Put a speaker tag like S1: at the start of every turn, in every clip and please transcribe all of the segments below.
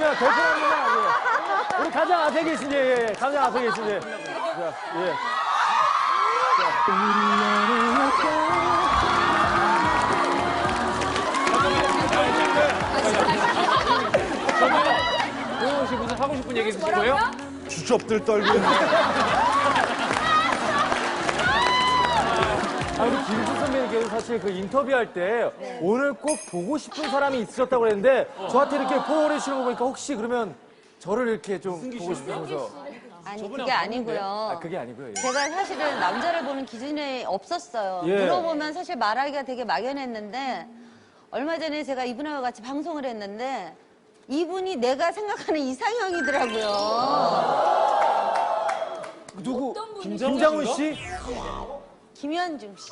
S1: 자, 대표합니다. 예. 우리 가장 앞에 계신, 예. 가장 앞에 계신, 예. 자, 예.
S2: 고영호 씨 무슨 하고 싶은 얘기 있으신 거예요?
S3: 주접들 떨고 있네.
S1: 우리 김수 선배님께서 사실 그 인터뷰할 때 오늘 꼭 보고 싶은 사람이 있으셨다고 그랬는데 저한테 이렇게 보내주시는 거 보니까 혹시 그러면 저를 이렇게 좀 보고 싶으셔서.
S4: 아니, 그게 아니고요.
S1: 그게 아니고요. 예.
S4: 제가 사실은 남자를 보는 기준이 없었어요.
S1: 예.
S4: 물어보면 사실 말하기가 되게 막연했는데 얼마 전에 제가 이분하고 같이 방송을 했는데 이분이 내가 생각하는 이상형이더라고요.
S1: 누구? 김장훈 씨?
S4: 김현중 씨.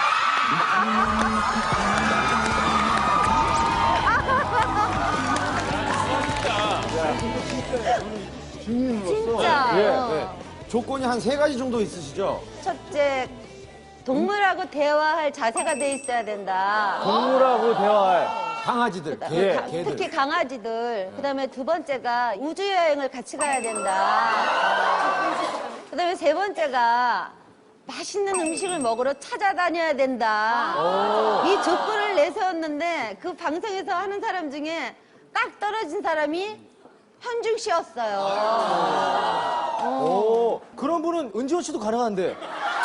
S4: 진짜.
S3: 조건이 한 3가지 정도 있으시죠?
S4: 첫째, 동물하고 대화할 자세가 돼 있어야 된다.
S1: 동물하고 대화할.
S3: 강아지들,
S1: 예.
S3: 개들.
S4: 특히 강아지들. 그다음에 두 번째가 우주 여행을 같이 가야 된다. 그다음에 세 번째가 맛있는 음식을 먹으러 찾아다녀야 된다. 이 조건을 내세웠는데 그 방송에서 하는 사람 중에 딱 떨어진 사람이 현중 씨였어요.
S1: 오, 그런 분은 은지원 씨도 가능한데.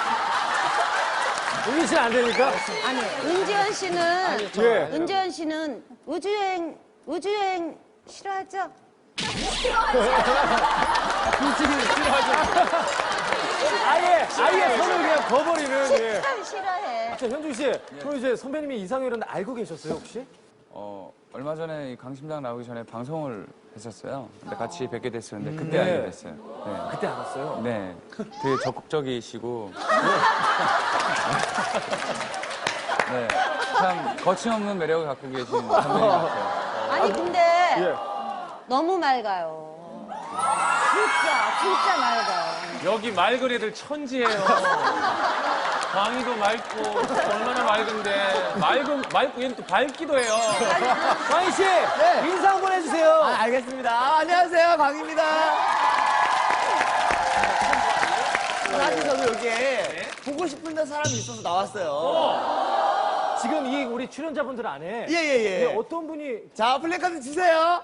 S1: 은지 씨는 안 되니까?
S4: 아니, 은지원 씨는
S1: 예.
S4: 은지원 씨는 우주여행 싫어하죠?
S1: 아예 손을 그냥 거버리는. 예.
S4: 참 싫어해.
S1: 자, 현중 씨, 그럼 이제 선배님이 이상형이라는 알고 계셨어요, 혹시?
S5: 얼마 전에 이 강심장 나오기 전에 방송을 했었어요. 근데 같이 뵙게 됐었는데 그때 알게 됐어요. 네.
S1: 그때 알았어요?
S5: 네. 되게 적극적이시고. 네. 참 거침없는 매력을 갖고 계신 선배님 같아요.
S4: 아니 근데
S1: 예.
S4: 너무 맑아요. 진짜 맑아요.
S2: 여기 맑은 애들 천지예요. 광희도 맑고 얼마나 맑은데 맑고 얘는 또 밝기도 해요.
S1: 광희 씨, 인사 한번 해주세요.
S6: 알겠습니다. 안녕하세요, 광입니다. 사실 저도 여기에 보고 싶은 사람이 있어서 나왔어요.
S1: 지금 이 우리 출연자분들 안에
S6: 예.
S1: 어떤 분이
S6: 자, 플래카드 주세요.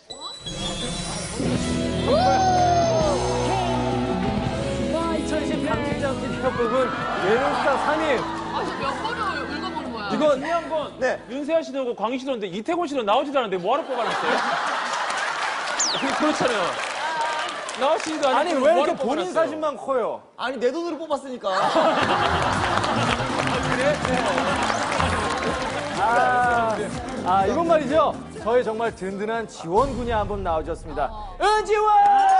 S1: 2010 강심장 TV협곡은 예능스타 3인.
S7: 몇 번을 읽어보는 거야?
S2: 이거 중요한 건
S6: 네.
S2: 윤세아 씨도 그렇고 광희 씨도 그런데 이태곤 씨도 나오지도 않는데 뭐하러 뽑아놨어요? 그렇잖아요. 나오시지도 않는데
S1: 아니, 왜
S2: 뭐하러
S1: 이렇게 본인
S2: 뽑아놨어요?
S1: 사진만 커요?
S6: 아니, 내 돈으로 뽑았으니까.
S1: 이건 말이죠. 저의 정말 든든한 지원군이 한 분 나오셨습니다. 은지원!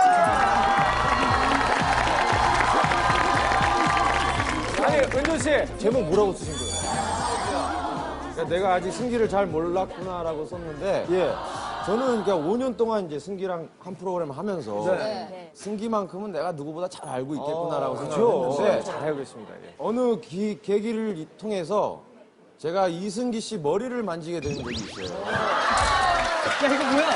S1: 아니, 은준 씨, 제목 뭐라고 쓰신 거예요?
S3: 내가 아직 승기를 잘 몰랐구나라고 썼는데
S1: 예.
S3: 저는 그러니까 5년 동안 이제 승기랑 한 프로그램 하면서
S4: 네.
S3: 승기만큼은 내가 누구보다 잘 알고 있겠구나라고
S1: 그렇죠.
S3: 생각했는데
S1: 잘 알고 있습니다. 예.
S3: 어느 계기를 통해서 제가 이승기 씨 머리를 만지게 된 적이 있어요.
S6: 야, 이거 뭐야?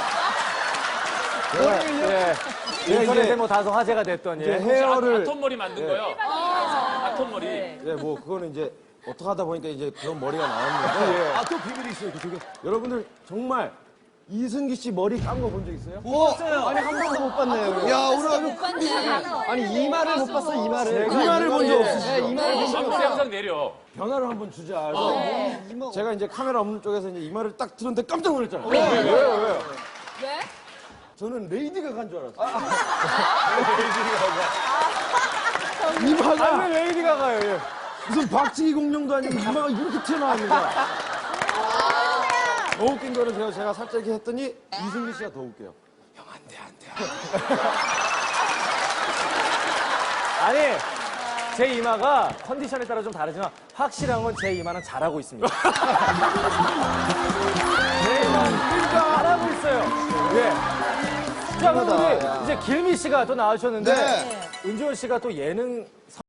S1: 예. 인터넷에 뭐 다소 화제가 됐던
S3: 이제
S1: 예.
S3: 헤어를
S2: 아톰 머리 만든 거요. 아톰 머리.
S3: 네, 뭐 그거는 이제 어떻게 하다 보니까 이제 그런 머리가 나왔는데
S6: 아, 또 비밀이 있어요, 그쪽에.
S3: 여러분들 정말 이승기 씨 머리 깐 거 본 적 있어요?
S6: 봤어요.
S3: 아니 한 번도 못 봤네요.
S6: 야, 오늘 아주
S3: 아니 이마를 못 봤어 이마를.
S1: 제가
S3: 이마를 본 적
S1: 예.
S3: 없으시죠?
S6: 이마를 본 적이
S2: 방세 영상 내려.
S3: 변화를 한번 주자. 그래서 제가 이제 카메라 없는 쪽에서 이제 이마를 딱 들었는데 깜짝 놀랐잖아요.
S1: 왜요?
S7: 왜?
S3: 저는 레이디가 간 줄 알았어요.
S1: 아, 왜 레이디 가가요? 예.
S3: 무슨 박치기 공룡도 아니고 이마가 이렇게 튀어나왔는 거야. 더 웃긴 거는 제가 살짝 이렇게 했더니 이승기 씨가 더 웃겨요. 형, 안 돼.
S1: 아니, 제 이마가 컨디션에 따라 좀 다르지만 확실한 건 제 이마는 잘하고 있습니다. 제 이마는 잘하고 있어요. 예. 자, 그럼 우리 이제 길미 씨가 또 나와주셨는데 은지원 씨가 또 예능